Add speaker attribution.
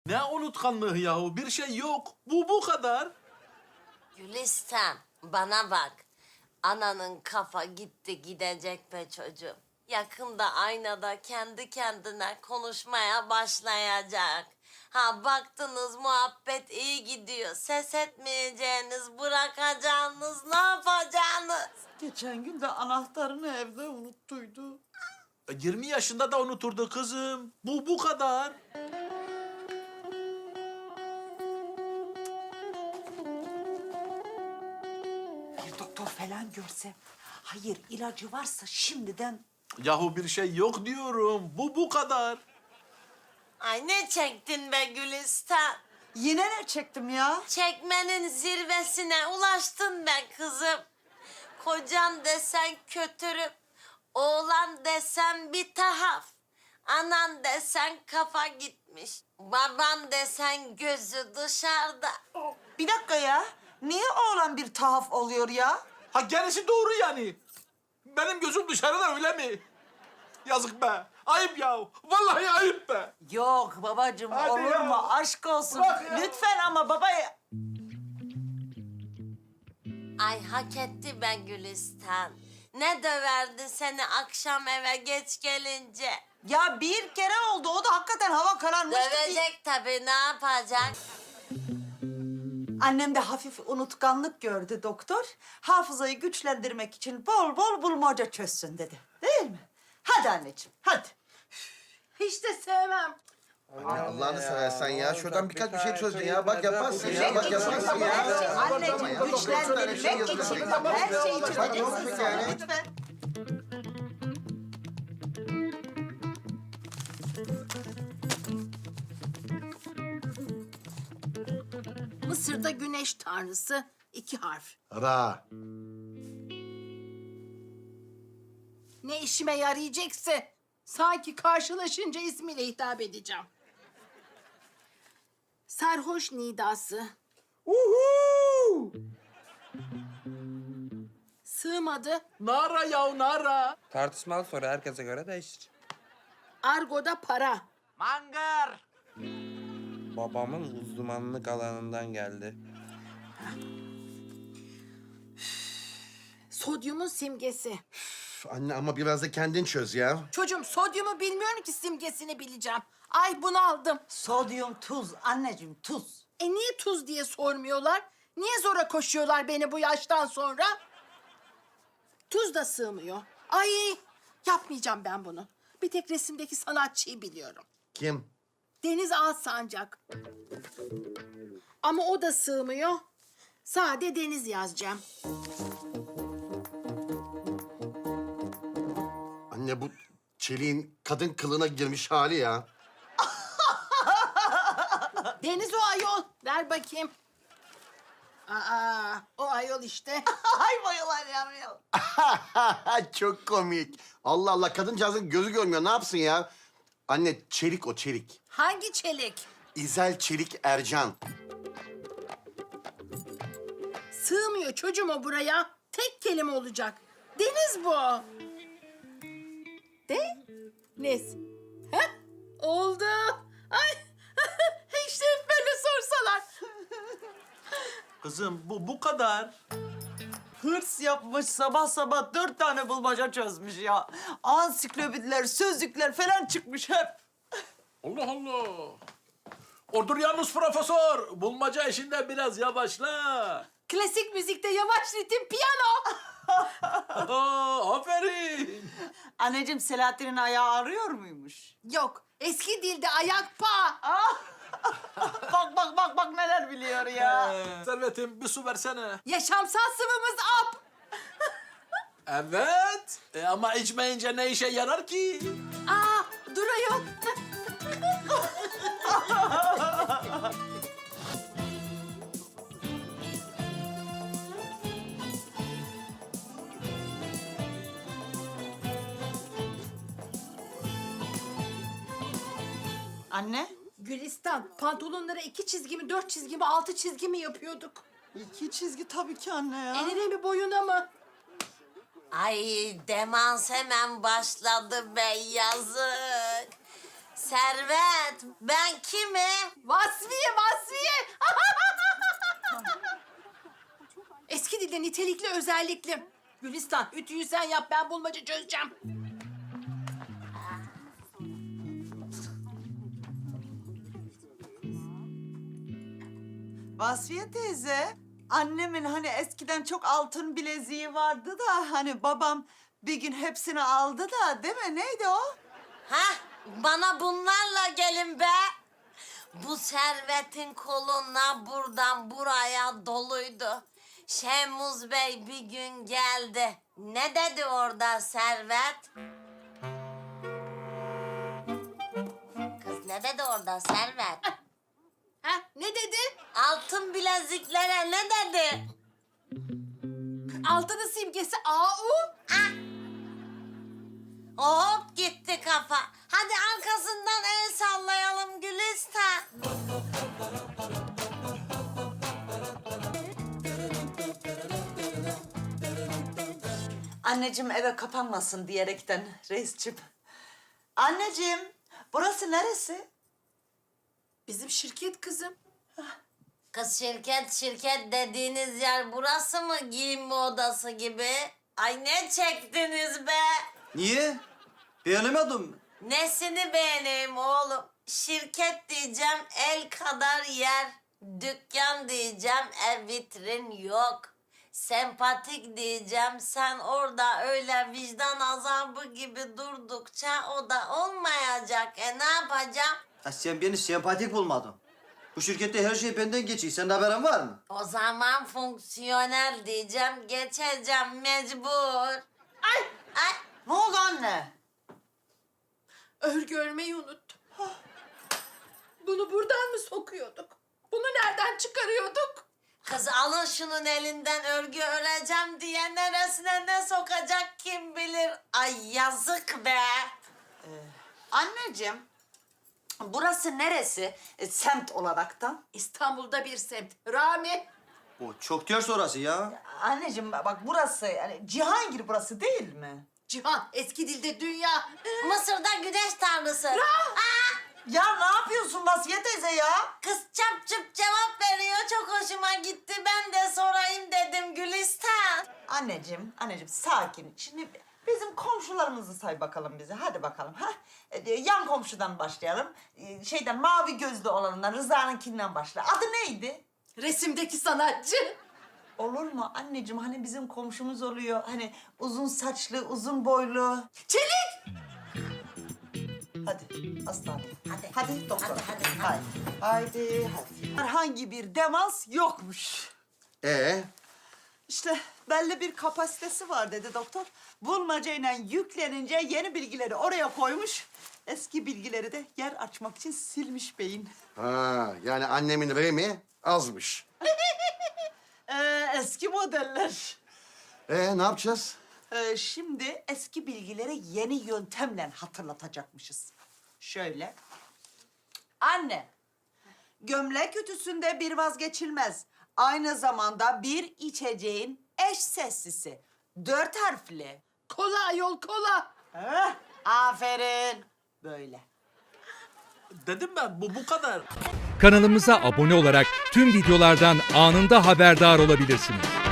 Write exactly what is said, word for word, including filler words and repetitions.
Speaker 1: Ne unutkanlığı yahu? Bir şey yok. Bu bu kadar.
Speaker 2: Gülistan, bana bak. Ananın kafa gitti gidecek be çocuğum. Yakında aynada kendi kendine konuşmaya başlayacak. Ha baktınız muhabbet iyi gidiyor. Ses etmeyeceğiniz, bırakacağınız, ne yapacaksınız?
Speaker 3: Geçen gün de anahtarını evde unuttuydu.
Speaker 1: E, yirmi yaşında da unuturdu kızım. Bu bu kadar.
Speaker 3: Bir doktor falan görsem. Hayır, ilacı varsa şimdiden...
Speaker 1: Yahu bir şey yok diyorum. Bu bu kadar.
Speaker 2: Ay ne çektin be Gülistan?
Speaker 3: Yine ne çektim ya?
Speaker 2: Çekmenin zirvesine ulaştın be kızım. Kocan desen kötürüm, oğlan desen bir tahaf. Anan desen kafa gitmiş, baban desen gözü dışarıda.
Speaker 3: Bir dakika ya. Niye oğlan bir tahaf oluyor ya?
Speaker 1: Ha gerisi doğru yani. Benim gözüm dışarıda öyle mi? Yazık be. Ayıp ya. Vallahi ayıp be.
Speaker 3: Yok babacığım,
Speaker 1: Hadi
Speaker 3: olur
Speaker 1: ya.
Speaker 3: mu? Aşk olsun.
Speaker 1: Bırak ya.
Speaker 3: Lütfen ama baba...
Speaker 2: Ay hak etti be Gülistan. Ne döverdi seni akşam eve geç gelince.
Speaker 3: Ya bir kere oldu. O da hakikaten hava kararmıştı.
Speaker 2: Dövecek tabii, ne yapacak?
Speaker 3: Annem de hafif unutkanlık gördü doktor. Hafızayı güçlendirmek için bol bol bulmaca çözsün dedi. Değil mi? Hadi anneciğim, hadi. Hiç de sevmem.
Speaker 4: Anne Allah'ını seversen ya. Şuradan birkaç bir şey çözün ya. Bak yaparsın ya. Bak yaparsın ya.
Speaker 3: Anneciğim güçlendirmek için her şeyi çözeceksin sen
Speaker 4: Yani.
Speaker 3: lütfen.
Speaker 5: Mısır'da güneş tanrısı iki harf.
Speaker 4: Ra.
Speaker 5: Ne işime yarayacaksa sanki karşılaşınca ismiyle hitap edeceğim. Sarhoş nidası.
Speaker 3: Uhu!
Speaker 5: Sığmadı.
Speaker 1: Nara ya nara.
Speaker 6: Tartışmalı soru herkese göre değişir.
Speaker 5: Argoda para.
Speaker 3: Mangar.
Speaker 6: Babamın uzmanlık alanından geldi.
Speaker 5: Sodyumun simgesi.
Speaker 4: Üf, Anne ama biraz da kendin çöz ya.
Speaker 5: Çocuğum sodyumu bilmiyorum ki simgesini bileceğim. Ay bunu aldım.
Speaker 3: Sodyum tuz anneciğim, tuz.
Speaker 5: E niye tuz diye sormuyorlar? Niye zora koşuyorlar beni bu yaştan sonra? Tuz da sığmıyor. Ay yapmayacağım ben bunu. Bir tek resimdeki sanatçıyı biliyorum.
Speaker 4: Kim?
Speaker 5: Deniz Alsancak. Ama o da sığmıyor. Sade Deniz yazacağım.
Speaker 4: Anne bu çeliğin kadın kılığına girmiş hali ya.
Speaker 5: Deniz o ayol. Ver bakayım. Aa, o ayol işte.
Speaker 3: Ay bayılar yavrum.
Speaker 4: Çok komik. Allah Allah kadıncağızın gözü görmüyor. Ne yapsın ya? Anne çelik o çelik.
Speaker 5: Hangi çelik?
Speaker 4: İzel Çelik Ercan.
Speaker 5: Sığmıyor çocuğum o buraya. Tek kelime olacak. Deniz bu. De? Nez. Heh, oldu. Ay, işte hep böyle sorsalar.
Speaker 1: Kızım bu bu kadar.
Speaker 3: Hırs yapmış sabah sabah dört tane bulmaca çözmüş ya. Ansiklopediler, sözlükler falan çıkmış hep.
Speaker 1: Allah Allah. Odur yalnız profesör. Bulmaca işinde biraz yavaşla.
Speaker 5: Klasik müzikte yavaş ritim piyano.
Speaker 1: Aa, aferin.
Speaker 3: Anneciğim Selahattin'in ayağı ağrıyor muymuş?
Speaker 5: Yok, eski dilde ayak pa.
Speaker 3: Bak bak bak bak neler biliyor ya.
Speaker 1: Ee, Servetim bir su versene.
Speaker 5: Yaşamsal sıvımız ap.
Speaker 1: Evet. E, ama içmeyince ne işe yarar ki?
Speaker 5: Aa, dur ayol.
Speaker 3: Anne?
Speaker 5: Gülistan, pantolonlara iki çizgi mi, dört çizgi mi, altı çizgi mi yapıyorduk?
Speaker 3: İki çizgi tabii ki anne ya.
Speaker 5: Eline mi, boyuna mı?
Speaker 2: Ay demans hemen başladı be, yazık. Servet, ben kimim?
Speaker 5: Vaz Nitelikli özellikli. Gülistan ütüyü sen yap, ben bulmaca çözeceğim.
Speaker 3: Vasfiye teyze, annemin hani eskiden çok altın bileziği vardı da hani babam bir gün hepsini aldı da değil mi? Neydi o?
Speaker 2: Hah, bana bunlarla gelin be. Bu servetin koluna buradan buraya doluydu. Şemuz Bey bir gün geldi. Ne dedi orada servet? Kız ne dedi orada servet?
Speaker 5: Ha, ne dedi?
Speaker 2: Altın bileziklere ne dedi?
Speaker 5: Altının simgesi A U.
Speaker 2: Hop gitti kafa. Hadi arkasından el sallayalım Gülistan.
Speaker 3: Anneciğim eve kapanmasın diyerekten reisçim. Anneciğim, burası neresi?
Speaker 5: Bizim şirket kızım.
Speaker 2: Kız şirket şirket dediğiniz yer burası mı, giyinme odası gibi? Ay ne çektiniz be?
Speaker 7: Niye? Beğenemedim.
Speaker 2: Nesini beğeneyim oğlum? Şirket diyeceğim el kadar yer. Dükkan diyeceğim ev vitrin yok. Sempatik diyeceğim sen orada öyle vicdan azabı gibi durdukça o da olmayacak. E ne yapacağım?
Speaker 7: Ha, sen beni sempatik bulmadın. Bu şirkette her şey benden geçiyor. Senin haberin var mı?
Speaker 2: O zaman fonksiyonel diyeceğim geçeceğim mecbur. Ay! Ay!
Speaker 3: Ne oldu anne?
Speaker 5: Örgü örmeyi unuttum. Bunu buradan mı sokuyorduk? Bunu nereden çıkarıyorduk?
Speaker 2: Kız alın şunun elinden örgü öreceğim diye neresine ne sokacak kim bilir. Ay yazık be.
Speaker 3: Anneciğim, burası neresi e, semt olaraktan?
Speaker 5: İstanbul'da bir semt. Rami.
Speaker 7: O çok ters orası ya.
Speaker 3: Anneciğim bak burası yani Cihangir burası değil mi?
Speaker 5: Cihan, eski dilde dünya.
Speaker 2: Mısır'da güneş tanrısı. Aa,
Speaker 3: Ya ne yapıyorsun Vasfiye teyze ya?
Speaker 2: kız çap çıp cevap veriyor çok hoşuma gitti. Ben de sorayım dedim Gülistan.
Speaker 3: Anneciğim, anneciğim sakin. Şimdi bizim komşularımızı say bakalım bize. Hadi bakalım. Ha? Ee, yan komşudan başlayalım. Ee, şeyden mavi gözlü olanından Rıza'nınkinden başla. Adı neydi?
Speaker 5: Resimdeki sanatçı.
Speaker 3: Olur mu anneciğim? Hani bizim komşumuz oluyor. Hani uzun saçlı, uzun boylu.
Speaker 5: Çelik.
Speaker 3: Hadi hastane.
Speaker 2: Hadi.
Speaker 3: Hadi doktor.
Speaker 2: Hadi, hadi, hadi.
Speaker 3: Haydi. Haydi hadi. Herhangi bir demans yokmuş.
Speaker 4: Ee,
Speaker 3: İşte belli bir kapasitesi var dedi doktor. Bulmacayla yüklenince yeni bilgileri oraya koymuş. Eski bilgileri de yer açmak için silmiş beyin.
Speaker 4: ha, yani annemin remi azmış.
Speaker 3: Ee, eski modeller.
Speaker 4: Ee, ne yapacağız?
Speaker 3: Ee, şimdi eski bilgileri yeni yöntemle hatırlatacakmışız. Şöyle. Anne, gömlek ütüsünde bir vazgeçilmez. Aynı zamanda bir içeceğin eş seslisi. Dört harfli.
Speaker 5: Kola yol kola.
Speaker 3: Heh, aferin. Böyle.
Speaker 1: Dedim ben bu bu kadar.
Speaker 8: Kanalımıza abone olarak tüm videolardan anında haberdar olabilirsiniz.